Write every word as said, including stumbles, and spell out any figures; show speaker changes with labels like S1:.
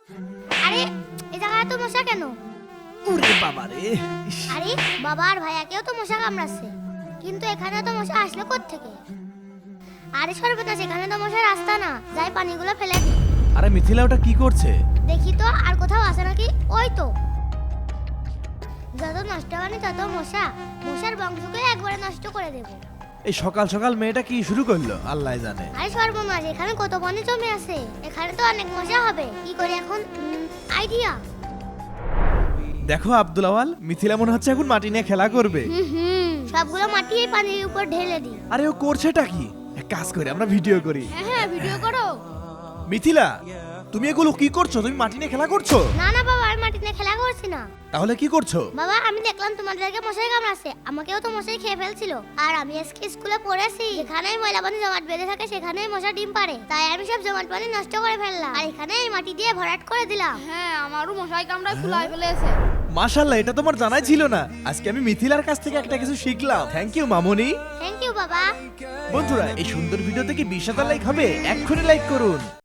S1: আরে এই জায়গায় তো মশা কেন?
S2: ওরে বাবা রে! ইস,
S1: আরে বাবা আর ভাইয়াকেও তো মশা কামড়াচ্ছে, কিন্তু এখানে তো মশা আসলো কোত্থেকে? আরে সর্বনাশ, এখানে তো মশার রাস্তা না, যাই পানিগুলো ফেলে দি।
S2: আরে মিথিলা ওটা কি করছে?
S1: দেখি তো আর কোথাও আছে নাকি। ওই তো, যত নষ্ট পানি তত মশা, মশার বংশকে একবারে নষ্ট করে দেবো।
S2: এই সকাল সকাল মেয়েটা কি শুরু করলো আল্লাহ জানে।
S1: আরে সর্বনাশ, এখানে কত পানি জমে আছে, এখানে তো অনেক মশা হবে। কি করে এখন? আইডিয়া।
S2: দেখো আব্দুল আওয়াল, মিথিলা মনে হচ্ছে এখন মাটি নিয়ে খেলা করবে।
S1: হুম হুম সবগুলো মাটি এই পানির উপর ঢেলে দি।
S2: আরে ও করছেটা কি? এক কাজ করে আমরা ভিডিও করি।
S1: হ্যাঁ হ্যাঁ ভিডিও করো।
S2: মিথিলা, তুমি এগুলো কি করছো? তুমি মাটি নিয়ে খেলা করছো?
S1: না না বাবা, আমি মাটি নিয়ে খেলা করছি না।
S2: তাহলে কি করছো?
S1: বাবা আমি দেখলাম তোমাদেরকে মশাই কামড়াচ্ছে, আমাকেও তো মশাই খেয়ে ফেলছিল। আর আমি আজকে স্কুলে পড়েছি, যেখানেই ময়লা পানি জমাট বেঁধে থাকে সেখানেই মশা ডিম পারে, তাই আমি সব জমাট পানি নষ্ট করে ফেললাম আর এখানে এই মাটি দিয়ে ভরাট করে দিলাম।
S3: হ্যাঁ, আমারও মশাই কামড়ায় ফুলাই ফেলেছে।
S2: মাশাআল্লাহ, এটা তোমার জানাই ছিল না। আজকে আমি মিথিলার কাছ থেকে একটা কিছু শিখলাম। থ্যাংক ইউ মামুনি।
S1: থ্যাংক ইউ বাবা।
S2: বন্ধুরা, এই সুন্দর ভিডিও থেকে বিশ হাজার লাইক হবে, এক্ষুনি লাইক করুন।